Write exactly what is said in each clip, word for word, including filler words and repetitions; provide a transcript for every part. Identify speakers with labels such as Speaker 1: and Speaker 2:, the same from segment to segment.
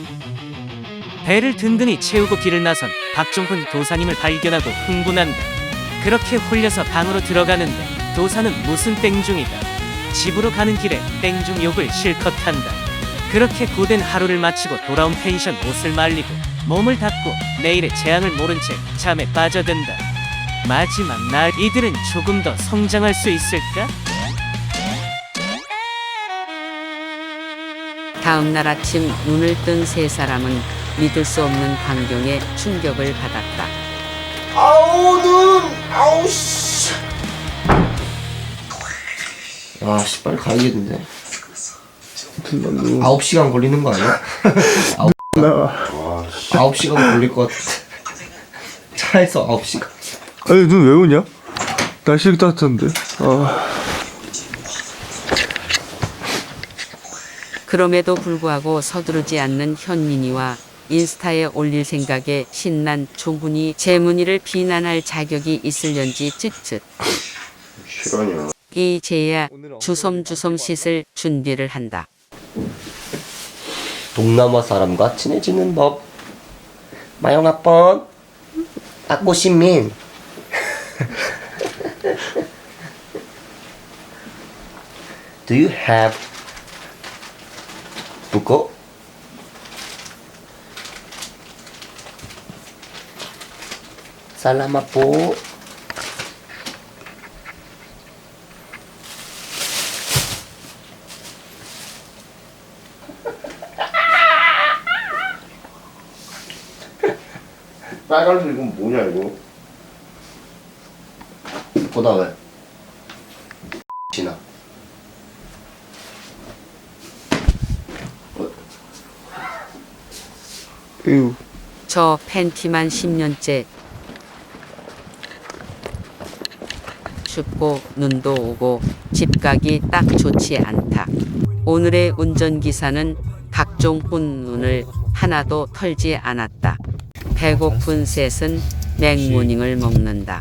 Speaker 1: 배를 든든히 채우고 길을 나선 박종훈 도사님을 발견하고 흥분한다. 그렇게 홀려서 방으로 들어가는데 도사는 무슨 땡중이다. 집으로 가는 길에 땡중 욕을 실컷 한다. 그렇게 고된 하루를 마치고 돌아온 펜션 옷을 말리고 몸을 닦고 내일의 재앙을 모른 채 잠에 빠져든다. 마지막 날 이들은 조금 더 성장할 수 있을까?
Speaker 2: 다음 날 아침 눈을 뜬 세 사람은 믿을 수 없는 광경에 충격을 받았다.
Speaker 3: 아우 눈 아우 씨. 아씨 빨리 가야겠는데. 아홉 시간 걸리는 거 아니야? 아홉 아홉 시간 걸릴 것 같아. 차에서 아홉 시간.
Speaker 4: 아니 눈 왜 오냐? 날씨 따뜻한데. 아.
Speaker 2: 그럼에도 불구하고 서두르지 않는 현민이와 인스타에 올릴 생각에 신난 종훈이 재문이를 비난할 자격이 있을련지 쯧쯧.
Speaker 3: 시간이야.
Speaker 2: 이제야 주섬주섬 씻을 준비를 한다.
Speaker 3: 동남아 사람과 친해지는 법. 마영아뻔 아꼬시민. Do you have buko? Salamat po. 빨간색 이건 뭐냐 이거? 보다 왜? 지나.
Speaker 4: 에휴.
Speaker 2: 저 팬티만 십 년째. 춥고 눈도 오고 집 가기 딱 좋지 않다. 오늘의 운전기사는 박종훈 눈을 하나도 털지 않았다. 배고픈 셋은 맥모닝을 먹는다.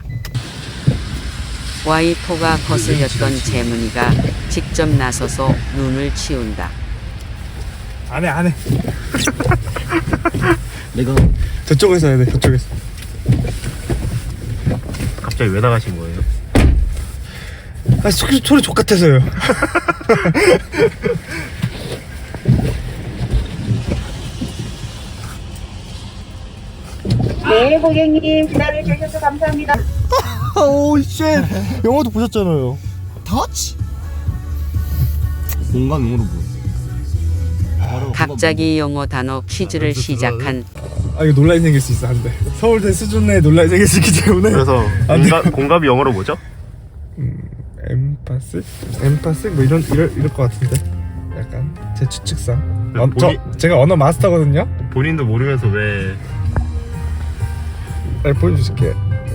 Speaker 2: 와이포가 거슬렸던 재문이가 직접 나서서 눈을 치운다.
Speaker 4: 안해 안해.
Speaker 3: 내가
Speaker 4: 저쪽에서 해야 돼. 저쪽에서.
Speaker 5: 갑자기 왜 나가신 거예요?
Speaker 4: 아 소리 소리 족 같아서요.
Speaker 6: 네, 고객님 기다려주셔서 감사합니다.
Speaker 4: 오우 쉣. 영화도 보셨잖아요.
Speaker 3: 터치. 공감용으로 뭐?
Speaker 2: 갑자기 영어 단어 퀴즈를 시작한
Speaker 4: 아 이거 논란이 생길 수 있어 한데. 서울대 수준의 논란이 생길 수 있기 때문에.
Speaker 5: 그래서
Speaker 4: 안 돼.
Speaker 5: 공감, 공감이 영어로 뭐죠?
Speaker 4: 엠파스? 엠파스? 뭐 이런 이럴 이럴 것 같은데. 약간 제 추측상.
Speaker 5: 네,
Speaker 4: 어, 저
Speaker 5: 본인-
Speaker 4: 제가 언어 마스터거든요.
Speaker 5: 본인도 모르면서 왜
Speaker 4: 네, 보여줄게.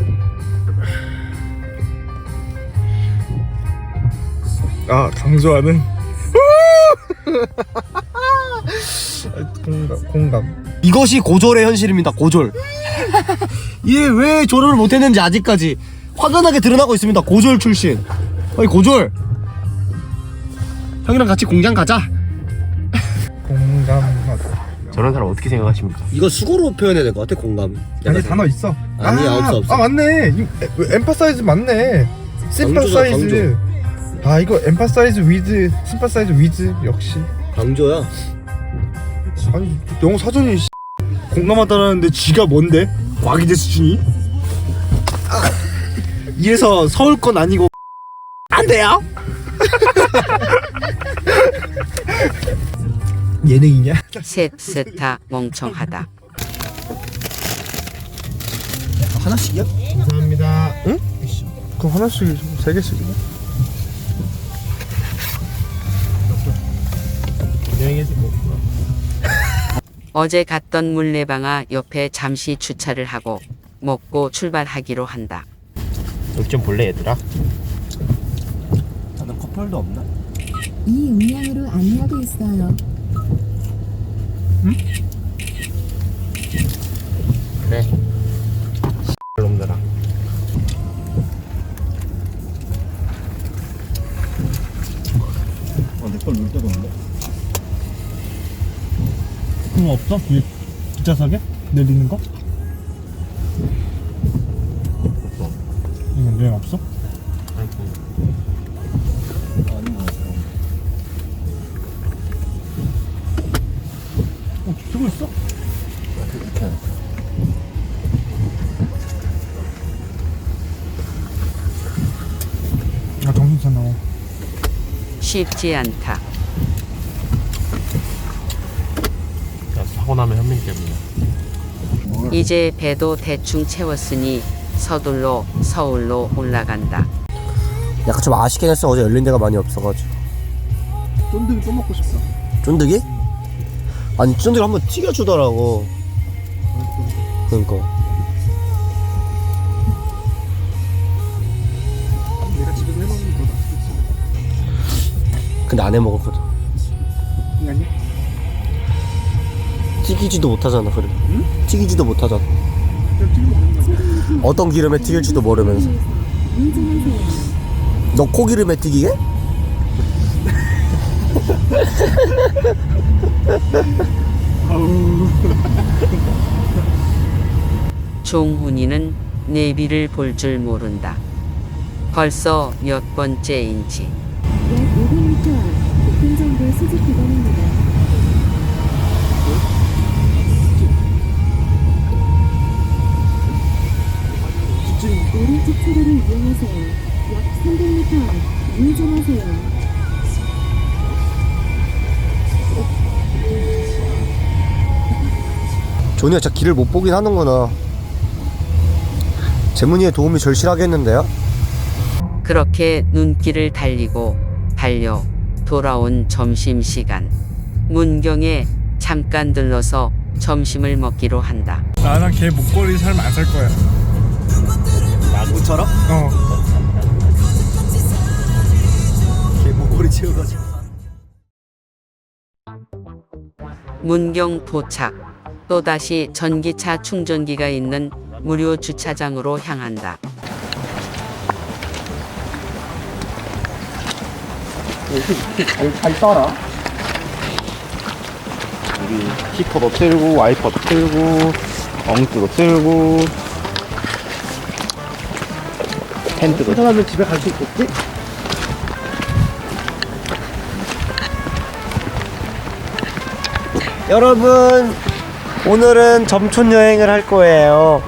Speaker 4: 아 강조하는. 공감 공감.
Speaker 3: 이것이 고졸의 현실입니다. 고졸. 얘 왜 졸업을 못했는지 아직까지 화끈하게 드러나고 있습니다. 고졸 출신. 어이 고졸. 형이랑 같이 공장 가자.
Speaker 4: 공감하다.
Speaker 5: 저런 사람 어떻게 생각하십니까?
Speaker 3: 이거 수고로 표현해야 될 것 같아. 공감.
Speaker 4: 아니 단어 있어.
Speaker 3: 아니야,
Speaker 4: 아,
Speaker 3: 없어, 없어.
Speaker 4: 아 맞네. 이, 에, 엠파사이즈 맞네. 심파사이즈. 아 이거 엠파사이즈 위드, 심파사이즈 위드 역시.
Speaker 3: 강조야.
Speaker 4: 아니 영어 사전이 씨, 공감하다라는데 지가 뭔데? 과기대 수준이? 아, 이래서 서울 건 아니고 안 돼요? 예능이냐?
Speaker 2: 셋 셋다 멍청하다.
Speaker 3: 하나씩이야?
Speaker 4: 감사합니다. 응? 그럼 하나씩 세 개씩이네.
Speaker 2: 어제 갔던 물레방아 옆에 잠시 주차를 하고 먹고 출발하기로 한다.
Speaker 5: 여기 좀 볼래 얘들아?
Speaker 3: 다른 커플도 없나?
Speaker 7: 이 음량으로 안내하고 있어요.
Speaker 5: 그래 놈들아.
Speaker 3: 어, 내걸 놀 데가 없네.
Speaker 4: 그거 없어? 이 뒷좌석에? 내리는 거? 이건 여행 없어? 어, 쓰고 있어? 아, 정신 차려.
Speaker 2: 쉽지 않다.
Speaker 5: 야, 사고 나면 현민 때문이야.
Speaker 2: 이제 배도 대충 채웠으니 서둘러 서울로 올라간다.
Speaker 3: 약간 좀 아쉽긴 했어. 어제 열린 데가 많이 없어가지고.
Speaker 4: 쫀득이 또 먹고 싶다.
Speaker 3: 쫀득이? 아니 쫀득이 한번 튀겨주더라고. 그러니까.
Speaker 4: 내가 집에서 해먹는 거다.
Speaker 3: 근데 안 해먹었거든.
Speaker 4: 아니야?
Speaker 3: 튀기지도 못하잖아. 그래. 응? 튀기지도 못하잖아. 어떤 기름에 튀길지도 모르면서. 너 코기름에 튀기게?
Speaker 2: 종훈이는 내비를 볼 줄 모른다. 벌써 몇 번째인지.
Speaker 7: 약 오백 미터 앞 교통정보 수집 구간입니다. 오른쪽 차로를 이용하세요. 약 삼백 미터 앞 우회전하세요.
Speaker 3: 조니가 진짜 길을 못 보긴 하는구나. 재문이의 도움이 절실하겠는데요?
Speaker 2: 그렇게 눈길을 달리고 달려 돌아온 점심시간. 문경에 잠깐 들러서 점심을 먹기로 한다.
Speaker 4: 나랑 걔 목걸이 살면 안 살 거야.
Speaker 3: 나처럼?
Speaker 4: 어.
Speaker 3: 걔 목걸이 채워가지고.
Speaker 2: 문경 도착. 또다시 전기차 충전기가 있는 무료 주차장으로 향한다.
Speaker 3: 잘 따라.
Speaker 5: 우리 히터도 틀고 와이퍼도 틀고 엉뜨도 틀고 텐트도
Speaker 3: 사람은 집에 갈 수 있겠지? 여러분, 오늘은 점촌 여행을 할 거예요.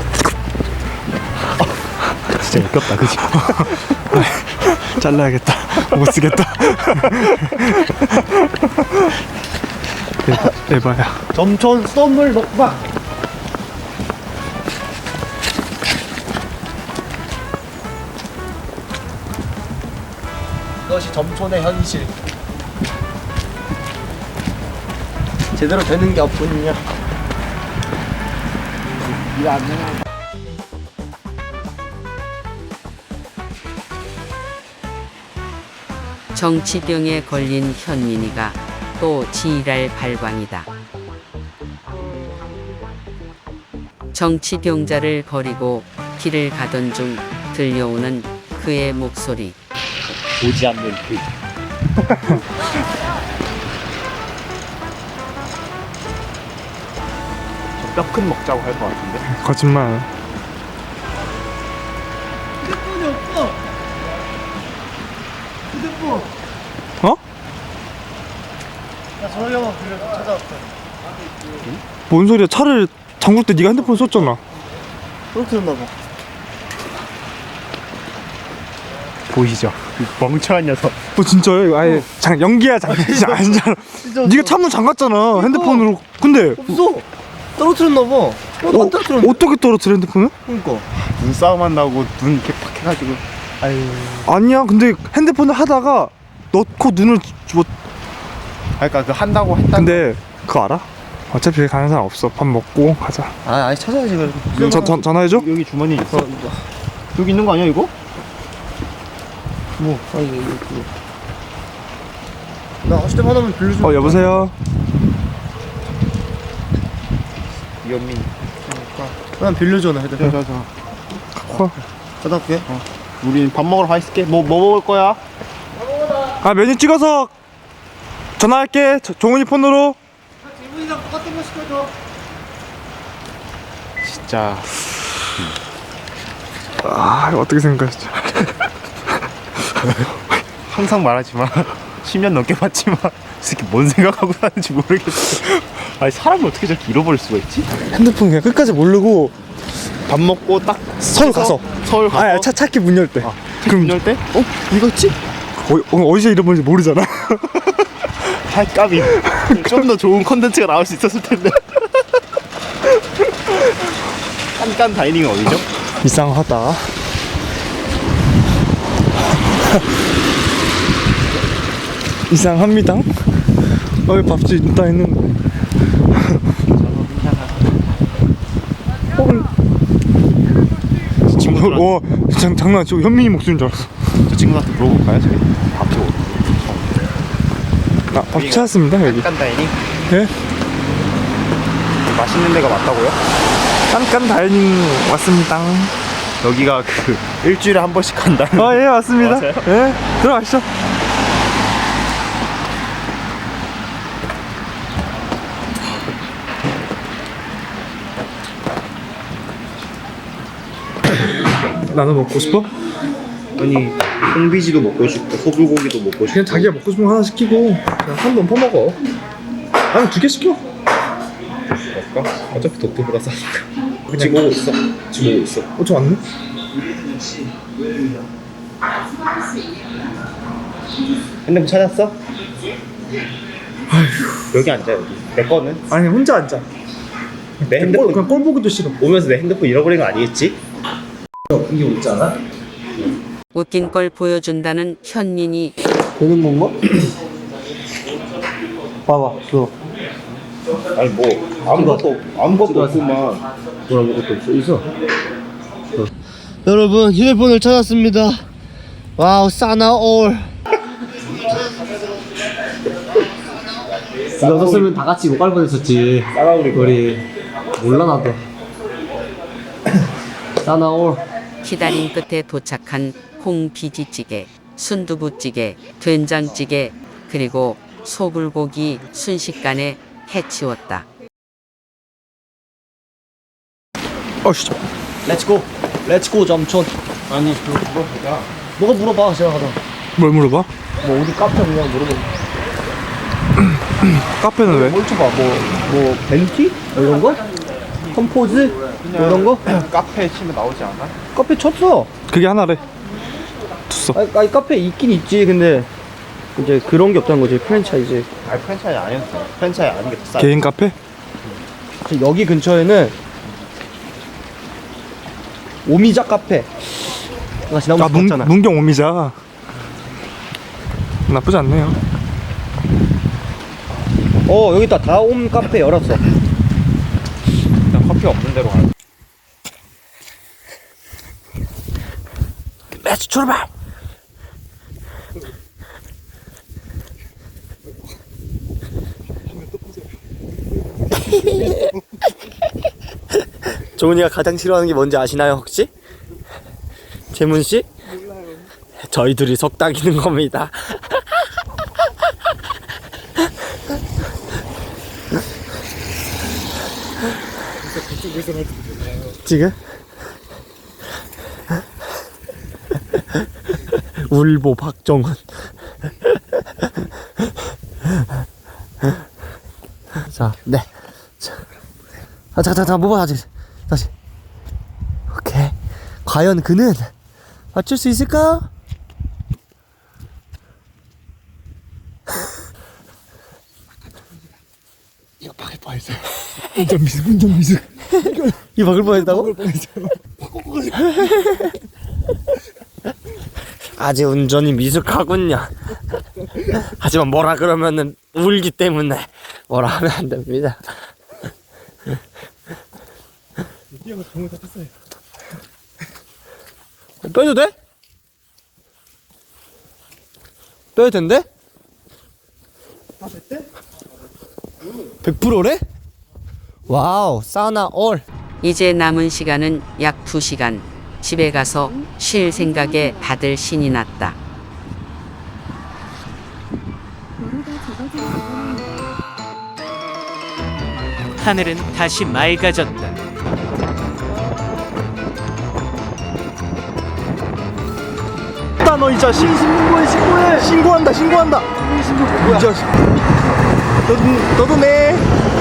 Speaker 5: 진짜 웃겼다 그치?
Speaker 4: 잘라야겠다. 못 쓰겠다. 에바야.
Speaker 3: 점촌 썸물 먹방. 이것이 점촌의 현실. 제대로 되는 게 없군요.
Speaker 2: 정치병에 걸린 현민이가 또 지랄 발광이다. 정치병자를 버리고 길을 가던 중 들려오는 그의 목소리.
Speaker 5: 보지 않는 그 뼈 큰 먹자고 할 것 같은데.
Speaker 4: 거짓말.
Speaker 3: 휴대폰이 없어. 휴대폰.
Speaker 4: 어?
Speaker 3: 나 전화기만 빌려서 찾아왔어.
Speaker 4: 뭔 소리야? 차를 잠글 때 네가 핸드폰 썼잖아.
Speaker 3: 떨어뜨렸나 봐.
Speaker 5: 보이시죠? 이 멍청한 녀석.
Speaker 4: 너 진짜야? 이거 아예 장 연기야 장난이지 아니잖아. 네가 창문 잠갔잖아 핸드폰으로. 근데
Speaker 3: 없어. 떨어뜨렸나 봐. 어, 안 떨어뜨렸는데?
Speaker 4: 어떻게 떨어뜨려 핸드폰을?
Speaker 3: 그러니까.
Speaker 5: 눈싸움 한다고 눈 이렇게 팍 해가지고.
Speaker 3: 아유.
Speaker 4: 아니야. 근데 핸드폰을 하다가 넣고 눈을 뭐.
Speaker 5: 그러니까 그 한다고 했다.
Speaker 4: 근데 그거 알아? 어차피 여기 가는 사람 없어. 밥 먹고 가자.
Speaker 3: 아, 아니 찾아야지 그래도.
Speaker 4: 저, 전 전화해줘.
Speaker 5: 여기 주머니 있어. 여기 있는 거 아니야 이거?
Speaker 3: 뭐? 아니 이거 이거. 나 휴대폰 하나만 빌려줘.
Speaker 4: 어 여보세요.
Speaker 5: 이현민.
Speaker 3: 난 빌려줘 나 휴대폰.
Speaker 5: 자자자.
Speaker 4: 어.
Speaker 3: 갔다 올게.
Speaker 5: 우린 밥 먹으러 가 있을게. 뭐 뭐 먹을 거야?
Speaker 4: 아 메뉴 찍어서 전화할게. 저- 종훈이 폰으로.
Speaker 3: 질문이랑 똑같은 거 시켜줘.
Speaker 5: 진짜
Speaker 4: 아 이거 어떻게 생각하시죠?
Speaker 5: 항상 말하지만 십 년 넘게 봤지만 이 새끼 뭔 생각하고 사는지 모르겠어. 아니 사람을 어떻게 저렇게 잃어버릴 수가 있지?
Speaker 4: 핸드폰 그냥 끝까지 모르고
Speaker 5: 밥 먹고 딱
Speaker 4: 서울 가서
Speaker 5: 서울 가서
Speaker 4: 아차 찾기 문 열 때.
Speaker 5: 아, 그럼 열 때?
Speaker 4: 어? 이거지? 어, 어, 어디서 잃어버린지 모르잖아.
Speaker 5: 할 까비. 좀 더 좋은 컨텐츠가 나올 수 있었을 텐데. 깐깐 다이닝은 어디죠?
Speaker 4: 이상하다. 이상합니다. 어, 밥집 있다 했는데. 어,
Speaker 5: 친구들
Speaker 4: 어, 장, 장난 아니죠? 현민이 목소리인 줄 알았어.
Speaker 5: 저 친구한테 물어볼까요? 저기 밥집 어디?
Speaker 4: 아, 밥 찾았습니다, 여기.
Speaker 5: 깐깐 다이닝?
Speaker 4: 네?
Speaker 5: 맛있는 데가 맞다고요?
Speaker 4: 깐깐 다이닝 왔습니다.
Speaker 5: 여기가 그 일주일에 한 번씩 간다는.
Speaker 4: 아, 예, 맞습니다.
Speaker 5: 맞아요?
Speaker 4: 예, 들어가시죠. 나도 먹고 싶어?
Speaker 5: 아니 홍비지도 먹고 싶고 소불고기도 먹고 싶고.
Speaker 4: 그냥 자기가 먹고 싶은 거 하나 시키고 그냥 한 번 퍼먹어. 아니 두 개 시켜.
Speaker 5: 먹을까? 어차피 도토보다 싸니까. 지금 오고 있어. 지금 오고 있어.
Speaker 4: 어, 저 왔네?
Speaker 5: 핸드폰 찾았어? 여기 앉아 여기. 내 거는?
Speaker 4: 아니 혼자 앉아.
Speaker 5: 내
Speaker 4: 꼴,
Speaker 5: 핸드폰
Speaker 4: 그냥 꼴 보기도 싫어.
Speaker 5: 오면서 내 핸드폰 잃어버린 거 아니겠지?
Speaker 3: 이게 웃지 않아?
Speaker 2: 웃긴 걸 보여준다는 현민이
Speaker 3: 되는 건가? 봐봐, 저.
Speaker 5: 아니 뭐 아무것도 아무것도 없구만.
Speaker 3: 뭘 아무것도 없어. 있어. 여러분, 휴대폰을 찾았습니다. 와우, 사나올. 이거 없었으면 다 같이 못 갈 뻔했었지.
Speaker 5: 따라오리
Speaker 3: 우리 몰라 나도. 사나올.
Speaker 2: 기다림 끝에 도착한 홍비지찌개, 순두부찌개, 된장찌개, 그리고 소불고기 순식간에 해치웠다.
Speaker 4: 어, 진짜.
Speaker 3: 렛츠고. 렛츠고 점촌.
Speaker 5: 아니 그거 물어보자.
Speaker 3: 뭐가 물어봐, 제가 가다.
Speaker 4: 뭘 물어봐?
Speaker 3: 뭐 어디 카페 그냥 물어봐.
Speaker 4: 카페는 왜?
Speaker 3: 뭘 쳐봐. 뭐, 뭐 벤티? 뭐 이런 거? 컴포즈? 뭐 이런 거?
Speaker 5: 카페 치면 나오지 않아?
Speaker 3: 카페 쳤어.
Speaker 4: 그게 하나래. tus어.
Speaker 3: 아니, 아니 카페 있긴 있지. 근데 이제 그런 게 없다는 거지. 프랜차이즈.
Speaker 5: 아니 프랜차이즈 아니었어. 프랜차이즈 아닌 게 더 싸.
Speaker 4: 개인 카페?
Speaker 3: 여기 근처에는 오미자 카페. 나 지난번에
Speaker 4: 아, 문,
Speaker 3: 봤잖아.
Speaker 4: 문경 오미자. 나쁘지 않네요.
Speaker 3: 어, 여기 있다. 다옴 카페 열었어.
Speaker 5: 일단 커피 없는 데로 가.
Speaker 3: 렛츠 출발. 조은이가 가장 싫어하는 게 뭔지 아시나요, 혹시? 재문 씨? 몰라요. 저희 둘이 속닥이는 겁니다. 지금? 울보 박정훈. 자, 네. 자, 아, 자, 자, 자, 뭐 봐, 다시, 다시. 오케이. 과연 그는 맞출 수 있을까?
Speaker 4: 이거 박을 뻔했어. 운전 미숙, 운전 미숙.
Speaker 3: 이 박을 뻔했다고? 아직 운전이 미숙하군요. 하지만 뭐라 그러면은 울기 때문에 뭐라 하면 안 됩니다. 빼도 돼? 빼도 된대? 백 퍼센트래? 와우, 사나 올.
Speaker 2: 이제 남은 시간은 약 두 시간. 집에 가서 쉴 생각에 다들 신이 났다.
Speaker 7: 도로가 좁아지고
Speaker 1: 하늘은 다시 맑아졌다.
Speaker 3: 너 이 자식. 신고해 신고해. 신고한다 신고한다. 신고 뭐야? 이 자식. 너도 너도 내.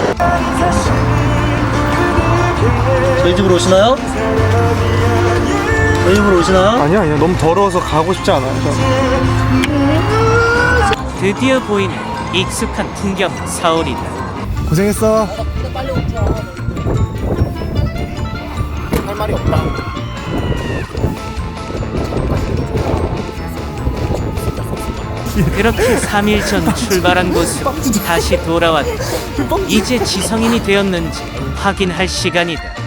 Speaker 3: 저희 집으로 오시나요? 저희 집으로 오시나요?
Speaker 4: 아니야 아니야 너무 더러워서 가고 싶지 않아요.
Speaker 1: 드디어 보이는 익숙한 풍경 서울이다.
Speaker 4: 고생했어.
Speaker 3: 할 말이 없다.
Speaker 1: 그렇게 삼 일 전 출발한 곳으로 다시 돌아왔다. 이제 지성인이 되었는지 확인할 시간이다.